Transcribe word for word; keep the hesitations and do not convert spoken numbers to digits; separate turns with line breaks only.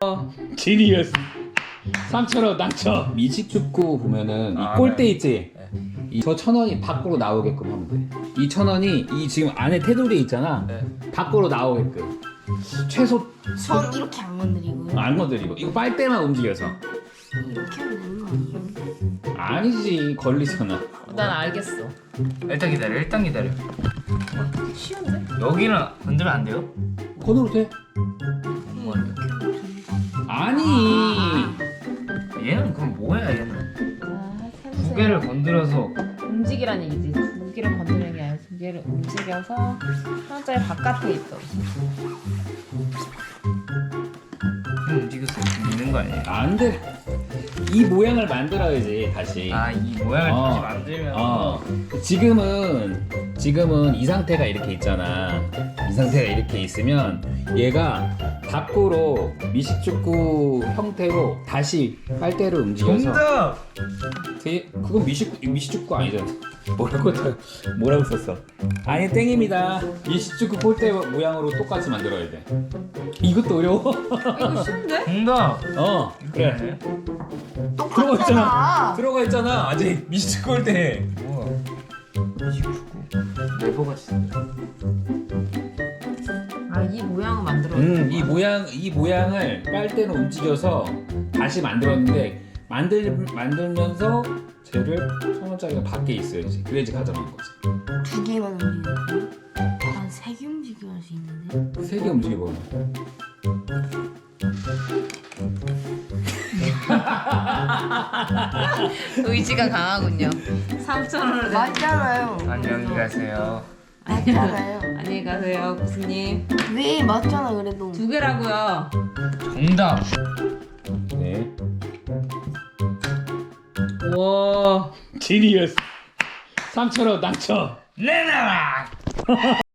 지니어스. 삼천 원 당첨. 미식축구 보면은
아,
이 골대
네.
있지? 이 저 천 원이 밖으로 나오게끔 하면 돼. 이 천 원이 이 지금 안에 테두리 있잖아.
네.
밖으로 나오게끔. 최소
손 이렇게 안 건드리고요.
안 건드리고 이거 빨대만 움직여서.
이렇게 하면 되는 거 아니에요?
아니지 걸리잖아.
난 알겠어.
일단 기다려. 일단 기다려.
쉬운데?
여기는 건들면 안 돼요?
건으로 돼?
뭐 이렇게.
아니.
얘는 그럼 뭐야 얘는?
아,
두
세무새.
개를 건드려서
움직이란 얘기지. 두 개를 건드리는 게 아니라 두 개를 움직여서 하나짜리 바깥에 있어.
그럼 움직였을 수 있는 거 아니에요?
안 돼. 이 모양을 만들어야지 다시.
아 이 모양을
어.
다시 만들면
어. 지금은 지금은 이 상태가 이렇게 있잖아. 이 상태가 이렇게 있으면 얘가 밖으로 미식축구 형태로 다시 빨대를 움직여서.
정답!
되- 그건 미식 미식축구 아니잖아. 뭐라고 뭐라고 썼어? 아니 땡입니다. 미식축구 골대 모양으로 똑같이 만들어야 돼. 이것도 어려워.
이거 쉬운데?
정답!
어 그래.
네.
들어가 있잖아.
똑같잖아.
들어가 있잖아. 아직 미식축구 골대.
뭐야? 미식축구 레버가 있어.
아, 이 모양을 만들어.
음, 이 모양 이 모양을 빨대로 움직여서 다시 만들었는데 만들 만들면서 쟤를 천 원짜리가 밖에 있어야지. 그래야지 가져가는 거지.
두 개만 움직이고 한세 개 움직여야 할 수 있는데.
세 개 움직여 보면.
의지가 강하군요. 삼천 원을 내.
맞잖아요.
안녕히 가세요.
맞잖아요.
안녕히 가세요, 교수님.
왜 맞잖아 그래도.
두 개라고요.
정답!
네.
와.
지니어스. 삼천 원 당첨.
내놔라!